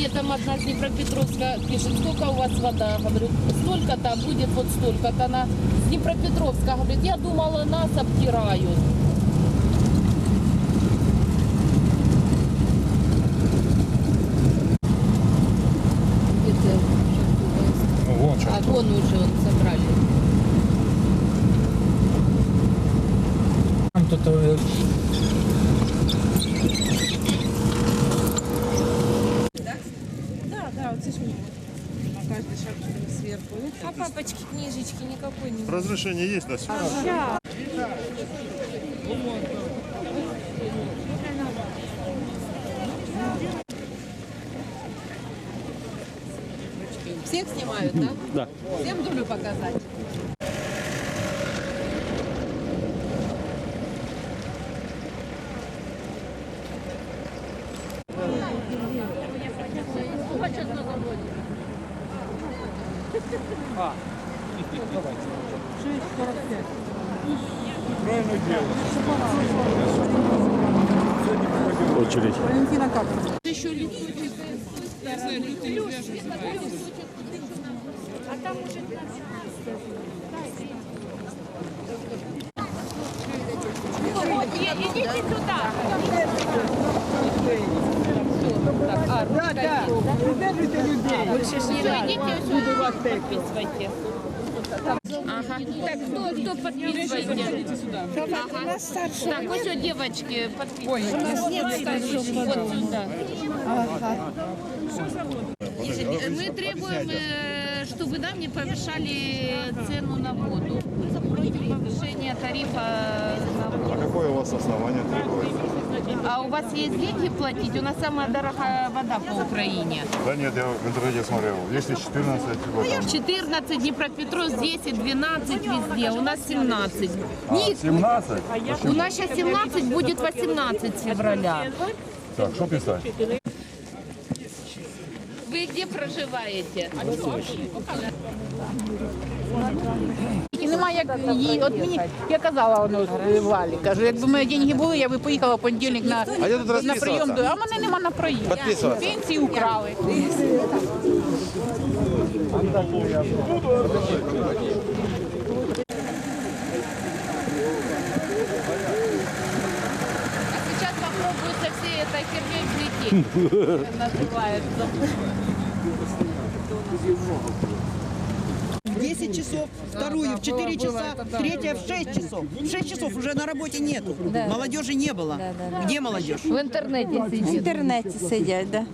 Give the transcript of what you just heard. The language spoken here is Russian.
мне там одна с Днепропетровска пишет, сколько у вас вода? Говорю, столько-то, а будет вот столько-то. Она с Днепропетровска говорит, я думала, нас обтирают. Вон что. А вон уже он собрали. Там тут Да, вот здесь на каждый шаг сверху. А папочки книжечки никакой не. Разрешение есть на съемку? Всех снимают, да? Да. Всем дулю показать. очередь. Валентина как? Еще летучий. Идите сюда. Да, придержите людей. Больше ж не надо. Идите сюда, подписывайте. Ага. Так, кто подписывайте? Ага. Так, вот что, девочки, подписывайте. У нас нет вот сюда. Мы требуем, чтобы нам не повышали цену на воду. Против повышения тарифа на воду. А какое у вас основание требовать? А у вас есть деньги платить? У нас самая дорогая вода по Украине. Да нет, я в интернете смотрел. Если 14, вот там. 14, Днепропетровск 10, 12 везде. У нас 17. Ник, 17? у нас сейчас 17, будет 18 февраля. Так, что писать? Вы где проживаете? І немає як її. От мені я казала воно Валі, кажу, якби мої деньги були, я би поїхала в понедільник на прийом. А в мене нема на прийом. Пенсії украли. А сейчас попробую со всей этой херней взлететь. Называется. 10 часов, вторую в 4 часа, третья в 6 часов. В 6 часов уже на работе нету. Молодежи не было. Где молодежь? В интернете В сидит. інтернеті сидять, да.